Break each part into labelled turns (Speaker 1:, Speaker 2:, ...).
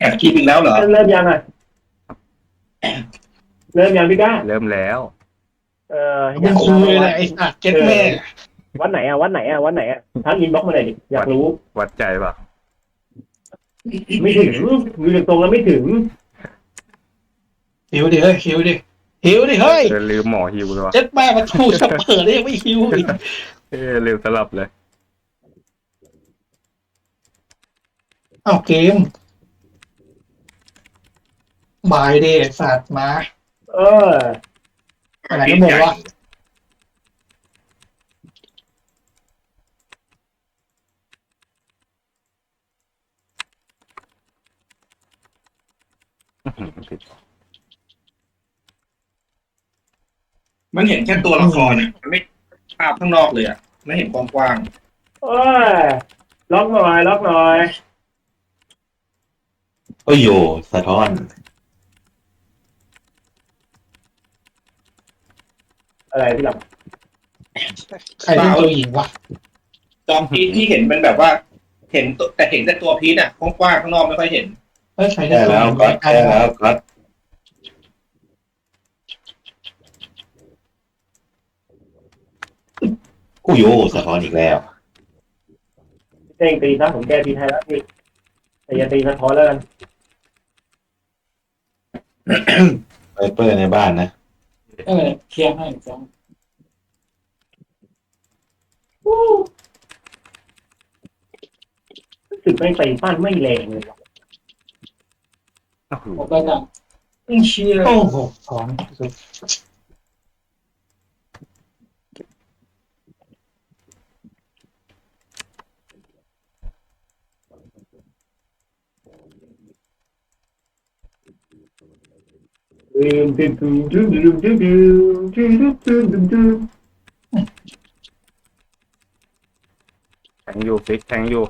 Speaker 1: อัดคลิปอีกแล้วเหรอ
Speaker 2: เริ่มยังอ่ะเริ่มยังพี่ก้า
Speaker 3: เริ่มแล้ว
Speaker 4: มึงคุยเลยไอ้สัตว์เจ็ดแม่
Speaker 2: วัดไหนอ่ะวัดไหนอ่ะวัดไหนอ่ะทักอินบ็อกซ์มาเลยดิอยากรู้
Speaker 3: วัดใจป่ะ
Speaker 2: ไม่ถึงดูจากตรงแล้วไม่ถึง
Speaker 4: หิวดิเฮ้ยหิวดิหิวดิเฮ้ย
Speaker 3: ลืมหมอฮิวเลยวะ
Speaker 4: เจ็ดแม่มาถูกจะเปิดได้ยังไม่หิวอีก
Speaker 3: ลืมสลับเลย
Speaker 4: อ้าวเกมบายดิไอ้สัตว์มา
Speaker 2: เออ
Speaker 4: อะไรก็บอกว่า
Speaker 1: มันเห็นแค่ตัวละครเนี่ยมันไม่ภาพข้างนอกเลยอ่ะไม่เห็นกว้าง
Speaker 2: โอ้ยล็อกหน่อยล็อกหน่อย
Speaker 5: โอ้โยสะท้อน
Speaker 2: อะไรพี่หลับ
Speaker 4: ใครเป็นตัวหญิงวะ
Speaker 1: ๆจอมพีทที่เห็นมันแบบว่า เห็นตัวแต่เห็นแต่ตัวพีทอ่ะกว้างๆข้างนอกไม่ค่อยเห็น
Speaker 4: เฮ้ยใครเป็น
Speaker 5: แก้
Speaker 4: ตัวห
Speaker 5: แล้ว
Speaker 4: ญิง
Speaker 5: ก็
Speaker 4: ใคร
Speaker 5: แก้แล้วก็ โอ้โยสะท้อนอีกแล้ว
Speaker 2: เต้งตีซะผมแก้ตีให้แล้วพี่แต่อย่าตีสะท้อนแล้วกัน
Speaker 5: ไวเปอร์ในบ้านนะ
Speaker 4: เคลียร์ให้จ้ะ
Speaker 2: รู้สึกแม่งตีปั้นไม่แรงเลยว่ะ
Speaker 3: โอ้โห
Speaker 4: ผมไปจ้ะเชียร์โอ้โหถอน
Speaker 2: ลืมลืมลืมลืมลืมลืมลืมลืมลืม
Speaker 3: แทงอยู่ฟิกแทงอยู่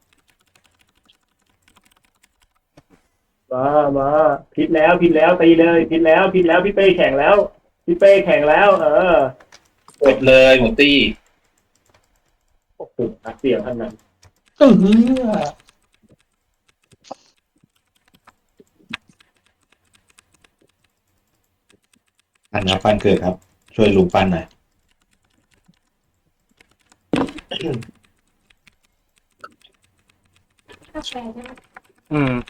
Speaker 2: มาผิดแล้วตีเลยผิดแล้วพี่เป้แข่งแล้วพี่เป้แข่งแล้ว
Speaker 1: หมดเลยหมดตี้
Speaker 2: โอ้โหนักเสียงท่านนั้น
Speaker 4: เออ
Speaker 5: อันนะปั้นเกิดครับ ช่วยลุงปั้นหน่อย
Speaker 3: อืม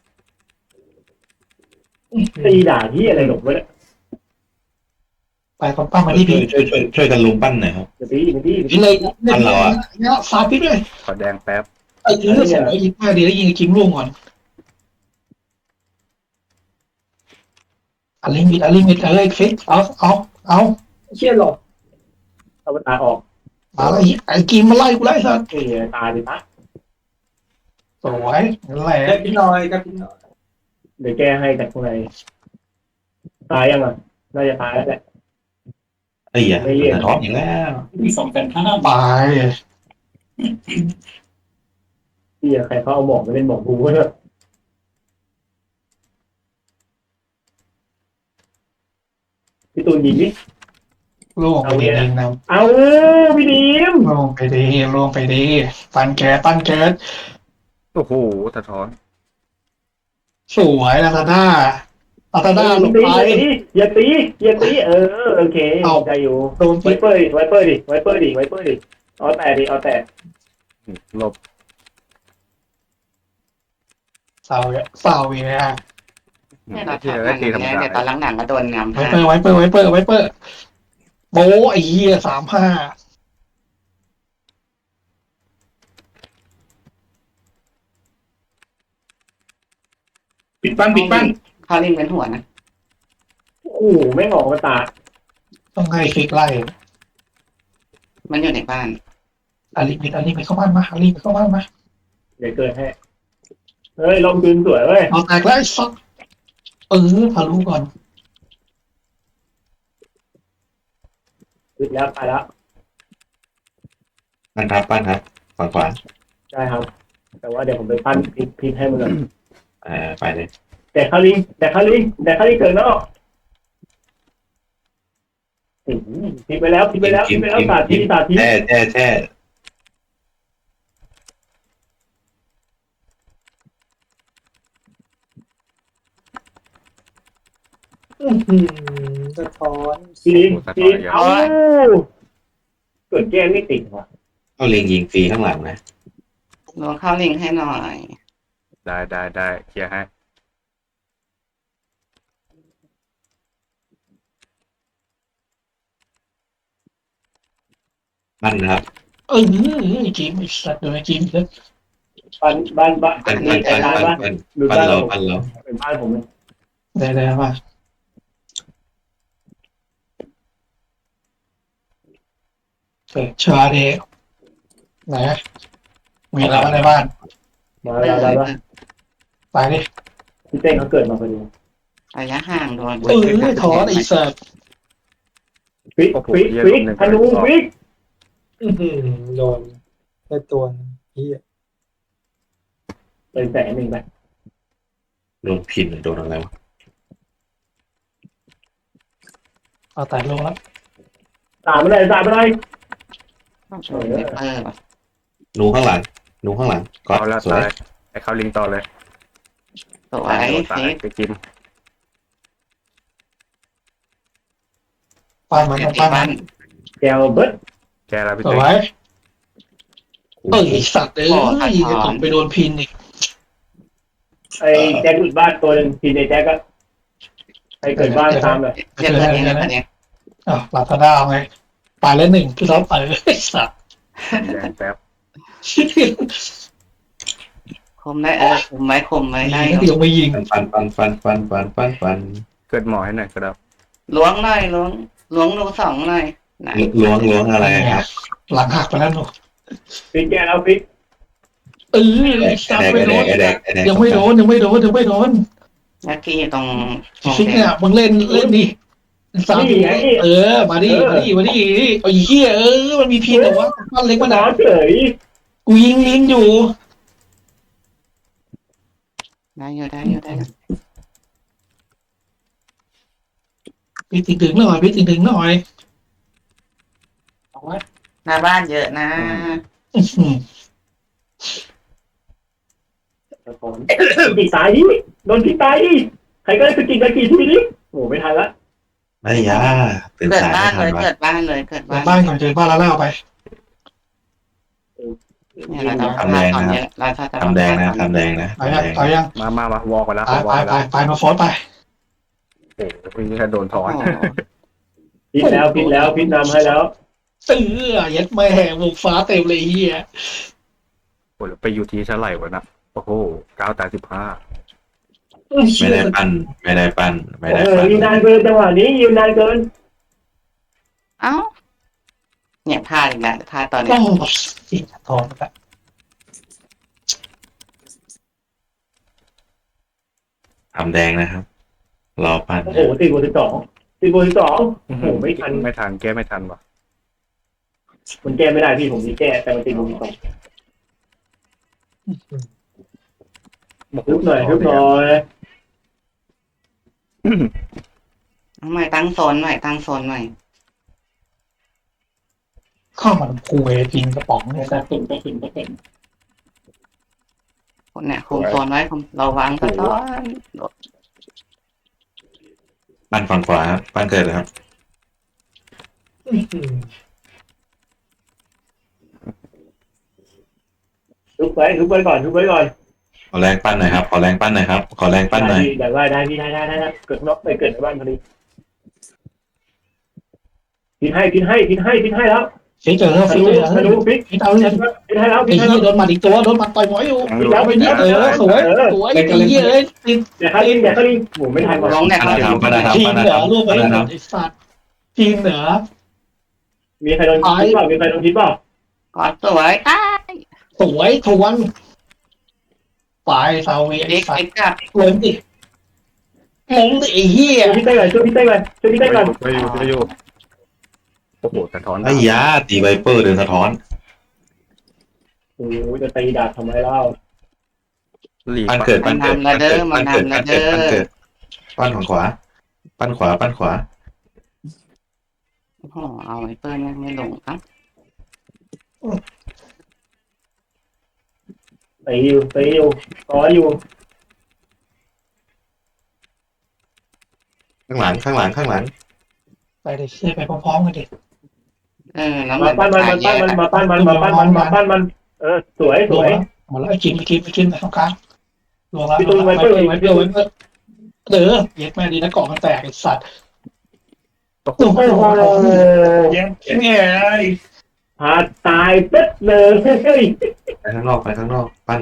Speaker 2: ตีด่าที่อะไรหลงไว้เนี่ย
Speaker 4: ไปคนปั้มมาที่พี่
Speaker 5: ช่วยกันลุงปั้นหน่อยครับ
Speaker 2: จะตีมาที่
Speaker 4: พี่เลยเนี่ยฟาดพี่ด้วย
Speaker 3: ขอแดงแป๊บ
Speaker 4: ไอ้ยิงสองยิงมาดีแล้วยิงคิมล่วงก่อนอลิมิตเฮ้ยฟิกเอา
Speaker 2: เชี่ยหลบเอาตาออก
Speaker 4: มาแล้วไอ้กิมมาไล่กูไล่สัตว์
Speaker 2: ตาดิพะ
Speaker 4: สวยนั่นแหละ
Speaker 1: ได้พี่น้อยครับพี่น้อย
Speaker 2: เดี๋ยวแก้ให้จากข้างในตายยังอ่ะน่าจะตายแล้วแหละ
Speaker 5: เอ้ยอย่าสะท้อนอีกแล้ว
Speaker 4: มี2,500 บาท
Speaker 2: ที่ใครเขาเอาหมอกมาเล่นหมอกบูเนี่ยพี่ตูนยิงดิ
Speaker 4: ล่วงไปดีเองนะ
Speaker 2: เอาพี่ดีม
Speaker 4: ล่วงไปดีปันแก๊ส
Speaker 3: โอ้โหสะท้อน
Speaker 4: สวยลาซาด้าลงไป
Speaker 2: อย่าตีโอเคใจอยู่
Speaker 4: โดน
Speaker 2: ไวเปอร์ดิเอาแต่
Speaker 3: หลบ
Speaker 4: เศร้าอีกแล้ว
Speaker 6: เนี่ยเรา
Speaker 3: ที่
Speaker 6: ทำห
Speaker 3: ได้
Speaker 6: นัง
Speaker 3: ตีธรรม
Speaker 6: เนี่ย
Speaker 3: ดา
Speaker 6: เดี๋ยวตอนหลังๆก็โดนงาม
Speaker 4: ไวเปอร์โบ้ไอ้เหี้ย35
Speaker 1: ปิดปั้น
Speaker 6: เขาลิ้นเป็นหัวนะ
Speaker 2: โอ้โหไม่ออกมาตา
Speaker 4: ต้องให้ฟิกไล่
Speaker 6: มันอยู่ในบ้าน
Speaker 4: อลิมิตเข้าบ้านมา
Speaker 2: เดี๋ยวเกิดให้เฮ้ยลองปืนสวยเว้ย
Speaker 4: เอาแตกแล้วไอ้สัสทะลุก่อน
Speaker 2: ปิดแล้วไปแล้ว
Speaker 5: ปั้นครับฝั่งขวา
Speaker 2: ใช่ครับ แต่ว่าเดี๋ยวผมไปปั้นพิษให้มันก่อน
Speaker 5: ไปเลย
Speaker 2: แต่คาลิงเกิดนอกพิษไปแล้วสาธิ
Speaker 5: แช่
Speaker 4: สะท้อน
Speaker 2: ปีนปีนเอาเกิดแก้ไม่ติดว่ะ
Speaker 5: เอาลิงยิงฟรีข้างหลังนะ
Speaker 6: ลงเข้าลิงให้หน่อย
Speaker 3: ได้เคลียร์ให้
Speaker 5: ปั้นนะครับ
Speaker 4: จิมไอ้สัตว์โดนจิมเลย
Speaker 2: บ้าน
Speaker 5: ปั้น
Speaker 2: บ้าน ดู
Speaker 5: ปั้น
Speaker 2: บ้าน
Speaker 5: เรา
Speaker 2: ผม
Speaker 5: ปั้นเรา
Speaker 2: เป็นบ้านผมเลย
Speaker 4: ได้มาเกิดชาเดไหนมีอะไรมาในบ้าน
Speaker 2: มาแล้วได้ปะ
Speaker 4: ไปดิ
Speaker 2: พี่เต้เขาเกิดมาพอดี
Speaker 6: ระยะห่างโดน
Speaker 4: ถอนไอ้สัตว์
Speaker 2: ฟิกธนูฟิก
Speaker 4: โดนแค่ตัวพี่
Speaker 2: เป็น100,000ไป
Speaker 5: โดนพินหรือโดนอะไรวะ
Speaker 4: เอาแต่ลงแล้ว
Speaker 2: ตามมาเลย
Speaker 6: ต้องช่วยไวเปอร์ว่ะ
Speaker 5: หนูข้างหลังหนูข้างหลังก็
Speaker 3: เอาแล้ว
Speaker 5: สวย
Speaker 3: ตายไอ้เข้าลิงต่อเลย
Speaker 6: สวย
Speaker 3: ตาย
Speaker 6: ฟิก
Speaker 3: ไปกิน
Speaker 4: ปั้นมันต้องปั้นมัน
Speaker 2: แกวเบิร์ด
Speaker 3: แกแล้วพี่
Speaker 4: ส
Speaker 3: เต้
Speaker 4: วยไอ้สัตว์จะตกไปโดนพินอีก
Speaker 2: ไอ้แจ็คหลุดบ้านตัวหนึ่งทีในแจ็คก็ไอ้เกิดบ้านตามเลย
Speaker 6: เจ็บตัวนี้นะตัวนี้
Speaker 4: ลาซาด้าไงไปแล้วหนึ่งพี่ท็อปไอ้สัตว์
Speaker 3: แดงแป๊บ
Speaker 6: คมได้คุมไว้ได้
Speaker 4: นี่ยังไม่ยิง
Speaker 5: ฟัน
Speaker 3: เกิดหมอให้หน่อยก็ได้
Speaker 6: ล้วงหน่อยล้วงหนูสองหน่อยนะ
Speaker 5: ล้วงอะไรครับ
Speaker 4: หลังหักไปแล้วหนู
Speaker 2: ฟิกแกแล้วฟิก
Speaker 4: ไอ้สัตว์ไม่โดน
Speaker 5: ไอ้แดก
Speaker 4: ยังไม่โดน
Speaker 6: ยักกี้ตรง
Speaker 4: ฟิกเนี่ยมึงเล่นดิสามมาดิไอ้เหี้ยมันมีพินแต่ว่ามันเล็กมันห
Speaker 2: น้
Speaker 4: นา
Speaker 2: อเฉย
Speaker 4: กูยิงลิงอยู่
Speaker 6: ได้อยู่
Speaker 4: พี่ถึงหน่อยเอาไว้
Speaker 6: หน้าบ้านเยอะนะ
Speaker 2: ปีตายดิโดนพี่ตายดิใครก็ได้สกินทีนี้โอ้ไม่ทันละ
Speaker 5: ไม่ยาตื่น
Speaker 6: เกิด
Speaker 5: สาย
Speaker 6: บ้าน
Speaker 5: ไม่
Speaker 6: เลย
Speaker 5: ทันวะ
Speaker 6: เกิดบ้านเลย
Speaker 4: บ้านก่อนเจอบ้านแล้วเอาไป
Speaker 6: เนี่ยเราจะพลาดตอนนี้เราจะ
Speaker 5: ทำแดงนะทำแดงนะ
Speaker 4: ไปยัง
Speaker 3: มาวอลกันแล้ว
Speaker 4: ไปมาฟอสไป
Speaker 3: โอ้โหพี่แค่โดนถอน
Speaker 2: พิษแล้วพิษนำให้แล้ว
Speaker 4: ยัดแม่วงฟ้าเต็มเลยเฮีย
Speaker 3: โอ้แล้วไปอยู่ที่เท่าไหร่วะนะโอ้โห9
Speaker 5: ไม่ได้ปั้น
Speaker 2: ยืนนานเกินจังหวะนี้ยืนนานเกิน
Speaker 6: เอ้าเนี่ยพลาดอีกแล้วพลาดตอนนี้
Speaker 4: โอ้สิทองแล้ว
Speaker 5: ทำแดงนะครับ รอปั้น
Speaker 2: โอ้โห4 บวก 12โอ้โหไม่ทัน
Speaker 3: ไม่ทันแก้ไม่ทันวะ
Speaker 2: มันแก้ไม่ได้พี่ผมมีแก้แต่มัน4 บวก 12ฮึบหน่อย
Speaker 6: เอาใหม่ตั้งโซนใหม่
Speaker 4: ข้าวมันคูเอกินกระป๋องเนี่ยแต่
Speaker 6: คนเนี่ยคุมโซนไว้เราวางซะก่อน
Speaker 5: ปั้นฝั่งขวาครับปั้นเกิดเลยครับ
Speaker 2: ฮึบไว้ก่อน
Speaker 5: ขอแรงปั้นหน่อยครับ ขอแรงปั้นหน่อย
Speaker 2: ได้พี่ได้เกิดนอกไปเกิดในบ้านพอดีพินให้แล้ว
Speaker 4: ฟิกเจอแล้วฟิก
Speaker 2: ธนูฟิก
Speaker 4: ฟิกเอาเลย
Speaker 2: พินให้แล้ว
Speaker 4: ไอ้เหี้ยโดนหมัดอีกตัวโดนหมัดต่อยหมอยอยู่แล้วไปนี่สวยไอ้เหี้ยติด
Speaker 2: เดี๋ยวข้าลิงโหไม่ทัน
Speaker 6: ลงเนี่ย
Speaker 5: ปั้นนะครับ
Speaker 4: ทีมเหนือร่วมไปไอ้สัตว์ทีมเหนือ
Speaker 2: มีใครโดนพิษเปล่า
Speaker 6: ก่อนสวยอ้า
Speaker 4: สวยทวนฝ่ายซาเวไอ้
Speaker 6: เด็ก
Speaker 4: สัต
Speaker 6: เด็ก
Speaker 4: ว์
Speaker 6: กับ
Speaker 4: ลงดิไอ้เหี้ย
Speaker 2: ช่วยพี่เต้ก่อน
Speaker 3: ช่วยอยู่โอ้โหสะท้อน
Speaker 5: ไอ้ยาตีไวเปอร์เดินสะท้อน
Speaker 2: โอ้จะตีดาบทำไมเล่า
Speaker 3: หลีก
Speaker 5: ปั้นเกิดปั้นฝั่งขวาปั้นขวา
Speaker 6: โอ้โหเอาไอ้เปิ้ลไม่ลงครับ
Speaker 2: ตีอยู่ต่ออยู่
Speaker 5: ข้างหลังข้างหลังข้างหลัง
Speaker 4: ไปเลยเชื่อไปพร้อมๆกันดิ
Speaker 6: แล้ว
Speaker 2: มาปั้นมัน
Speaker 6: ขายแยก
Speaker 2: มาปั้นมันมาปั้นมันมาปั้นมันสวยส
Speaker 4: รว
Speaker 2: ว
Speaker 4: ม
Speaker 2: ย
Speaker 4: แล้วหมดแล้วไอ้กินไปตรงกลางรวมแล้ว
Speaker 2: พี่ตูนไว้
Speaker 4: ไว้
Speaker 2: เพิ่
Speaker 4: เพิ่
Speaker 2: ม
Speaker 4: มไว้เพิ่มไว้เพิ่มเออเย็ดแม่ดีนะเกาะมันแตกไอ้สัตว์โอ้โห
Speaker 2: โอ้โห
Speaker 4: เย็ดแม่
Speaker 2: พาตายเป็ดเลยเฮ้ย
Speaker 5: ไปข้างนอกไปข้างนอกปั้น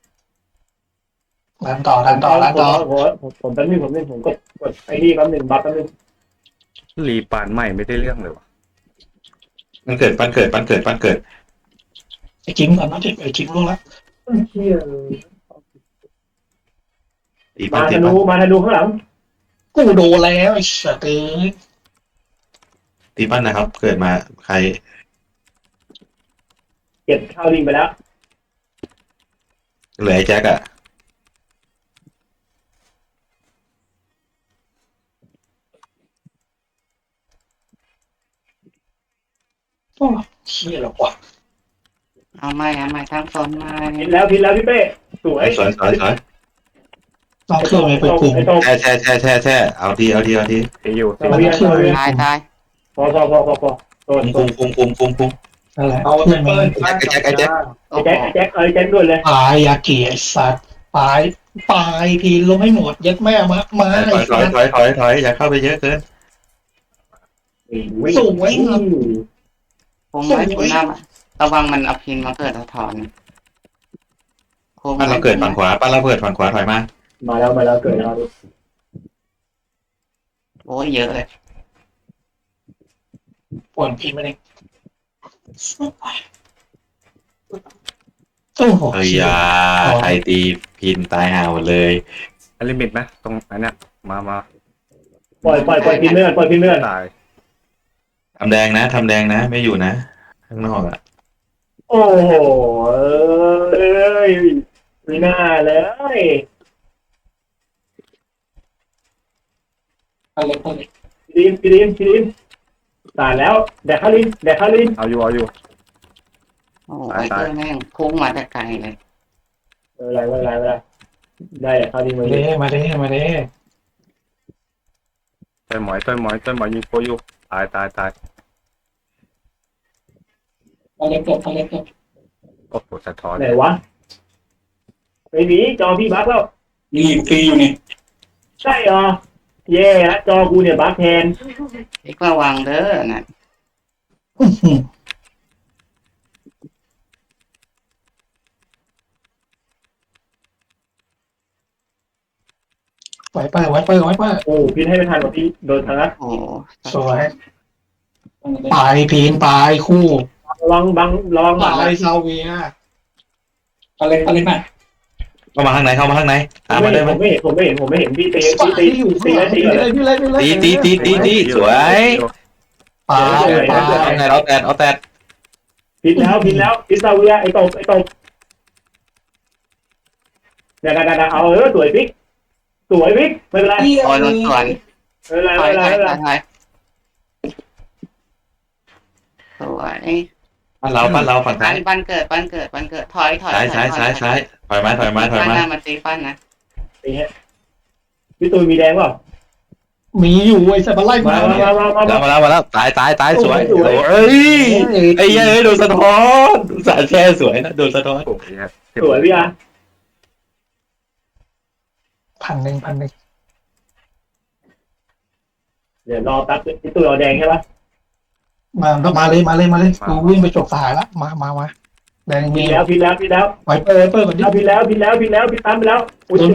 Speaker 4: ดันต่อ
Speaker 2: ผมแป๊บนึงผมกดไอ้นี่แป๊บนึงบัฟแป๊บนึง
Speaker 3: รีปานใหม่ไม่ได้เรื่องเลยวะ
Speaker 5: ปั้นเกิดปั้นเกิดปั้นเกิดปั้นเกิด
Speaker 4: ไอ้จิงก่อนนะไอ้จิงล่วงแล้ว
Speaker 2: เชี่ย
Speaker 5: ตีปั้
Speaker 2: มาน
Speaker 5: ตี
Speaker 2: ธ
Speaker 5: ปั้
Speaker 2: นู
Speaker 5: น
Speaker 2: มาธนูข้างหลัง
Speaker 4: กูโดนแล้วไอ้สัตว์เอ้ย
Speaker 5: ตีปั้นนะครับ เกิดมาใคร
Speaker 2: เก็บข้าวลิงไปแล้ว
Speaker 5: เหลือไอ้แจ็คอะ
Speaker 4: โอ้เชี่ยหรอกว่ะ
Speaker 6: เอาไม่ทั้งโซนไม่
Speaker 2: พินแล้วพี่เป้สวย
Speaker 5: สวยสวยสวย
Speaker 4: ต้องเครื่องไปปรุง
Speaker 2: ไอ้โต
Speaker 5: แช่เอาทีเอาทีเอาที
Speaker 3: ตีอยู่
Speaker 4: มันต้องเครื่องไป
Speaker 6: ตาย
Speaker 2: พอโต
Speaker 5: คุม
Speaker 4: นั่นแหละเครื่องมัน
Speaker 5: ไอ้แจ็ค
Speaker 6: โอ้โห
Speaker 2: แจ็คแจ็คด้วยเลย
Speaker 4: ปลายยาเกีไอ้สัตว์ปลายพีลงให้หมดยัดแม่มา
Speaker 5: ถ
Speaker 4: ไอ้
Speaker 5: อย
Speaker 4: สัตว์
Speaker 5: อย่าเข้าไปเยอะเกิน
Speaker 4: สูงไว้เงิน
Speaker 6: ผมไว้ผมหน้าระวังมันเอาพินมาเกิดถอนโค้ง
Speaker 5: ปั้นเราเกิดฝั่งขวาปั้นเราเกิดฝั่งขวาถอยมา
Speaker 2: มาแล้วเกิดแล้ว
Speaker 6: โอ้ยเยอะเลย
Speaker 4: ปวดพีมาเองโอ้โห
Speaker 5: เฮ้ยยาไทยตีพินตายห่าหมดเลย
Speaker 3: อลิมิตไหมตรงนั้นเนี่ยมา
Speaker 2: ปล่อยพินเลือด
Speaker 3: ตาย
Speaker 5: ทำแดงนะไม่อยู่นะข้างนอกอะ
Speaker 2: โอ้โหไม่น่าเลย
Speaker 4: อะไร
Speaker 2: พี่ดิมตายแล้วแดกข้าวลิน
Speaker 3: เอาอยู่
Speaker 6: โอ้ยเจอแม่งพุ่งมาแต่ไกลเลย
Speaker 2: อะไรได้แดกข้าวลินมา
Speaker 4: มาเด้
Speaker 3: ต้นหมอยยิงโคอยู่ตาย
Speaker 4: อะไรเกิด
Speaker 3: โอ้โหสะท้อน
Speaker 2: ไหนวะไม่มีจอพี่บั๊กแล้ว
Speaker 4: นี่ฟรีอยู่นี่
Speaker 2: ใช่เหรอเย่ละจอกูเนี่ยบั๊กแทน
Speaker 6: อีกระวังเด้อนะ
Speaker 4: ไว้เปิด
Speaker 2: โอ้พี่ให้ไม่ทันว่ะพี่โดนทางนั้น
Speaker 6: โอ้
Speaker 4: สวยปลายพีนปลายคู่
Speaker 2: ระวังบัง
Speaker 4: ปลายซาเวียอะไรมา
Speaker 5: เข้ามาข้างในตามมาได้ไหม
Speaker 2: ผมไม่เห็นพี่ตี
Speaker 4: ปลายอยู่ข้างหลังพี่เลย
Speaker 5: ตีสวย
Speaker 4: ปลาย
Speaker 5: เอาแตด
Speaker 2: พินแล้วพินซาเวียไอ้ตบเดี๋ยวเอาสวยพิกไม่เป็นไร
Speaker 6: โอ้ยรถสวน
Speaker 2: ไม่เป็นไร
Speaker 6: ถอยสวย
Speaker 5: ปั้นเราฝั่งซ้าย
Speaker 6: ปั้นเกิดถอย
Speaker 5: ซ้ายถอยมา
Speaker 6: มาตีปั้นนะ
Speaker 2: พี่ตูนมีแดงเปล่า
Speaker 4: มีอยู่ไอ้สัตว์ไล่
Speaker 2: มา
Speaker 5: มาแล้วตายสวยเฮ้ยไอ้ยัยโดนสะท้อนสารแช่สวยนะโดนสะท้อน
Speaker 3: โอ้ย
Speaker 2: สวยพี่อา
Speaker 4: 1,000
Speaker 2: เดี๋ยวรอแป๊บพี่ตูนเอาแดงใช่ปะ
Speaker 4: มาเลยกูวิ่งไปจบสหายละมาแดง
Speaker 2: พิ
Speaker 4: มี
Speaker 2: นแล้ว
Speaker 4: ไว้เปิดก่อนดิ
Speaker 2: พินแล้วพินตามไปแล้ว
Speaker 4: โดน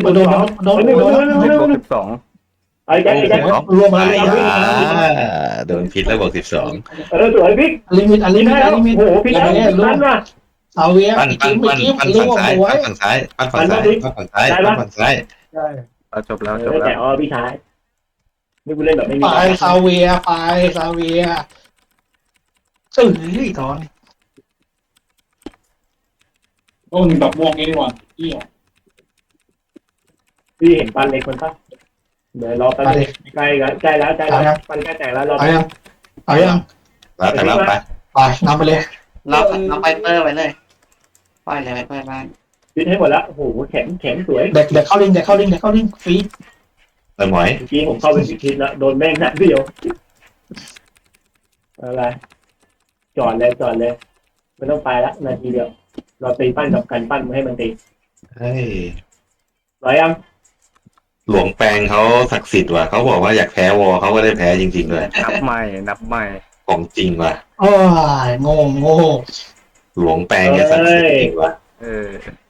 Speaker 3: 12
Speaker 2: ไอ้แจ็ค
Speaker 4: รวมมาเลย
Speaker 5: โดนพิษแล้วบอก12
Speaker 2: สวยพิก
Speaker 4: ลิมิต
Speaker 2: โอ้โหพินแล้วนั่นว่ะ
Speaker 4: ซาเวีย
Speaker 5: ปั้น
Speaker 4: จิ้ม
Speaker 5: ฝั่งซ้ายปั้นฝั่งซ้าย
Speaker 3: เอาจบแล้ว
Speaker 2: แต่พี่ชายนี่กูเล่นแบบไม่มี
Speaker 4: ปลายซาเวียตอนโอ้หนึ่งดอกม่วงนี่ดีกว่า
Speaker 2: พี่เห็นปันเล็กคนปะเดี๋ยวรอแป๊บใกล้แล้วปันใกล้แตกแล้วรอ
Speaker 4: เอายัง
Speaker 5: แล้วแต่แล้วไป
Speaker 4: ไปนำไปเลย
Speaker 6: เราไปเปิดไปเลยปล่อยเลยไปเปิดบ้าน
Speaker 2: พินให้หมดแล้วโอ้โหแข็งสวย
Speaker 4: เด็กเข้าลิงฟรี
Speaker 5: หมอย
Speaker 2: เมื่อกี้ผมเข้าไปพิษแล้วโดนแม่งนัดเดียวอะไรจอดเลยไม่ต้องไปละนาทีเดียวเราตีปั้นกับกันปั้นมาให้มันตี
Speaker 5: เฮ้ย
Speaker 2: ร้อยยัง
Speaker 5: หลวงแปลงเขาศักดิ์สิทธิ์ว่ะเขาบอกว่าอยากแพ้วอเขาก็ได้แพ้จริงๆเลย
Speaker 3: นับใหม่
Speaker 5: ของจริงว่ะ
Speaker 4: โอ้ยโง่
Speaker 5: หลวงแปลงเนี่ยศักดิ์สิทธิ์จริงว่ะ
Speaker 3: เออ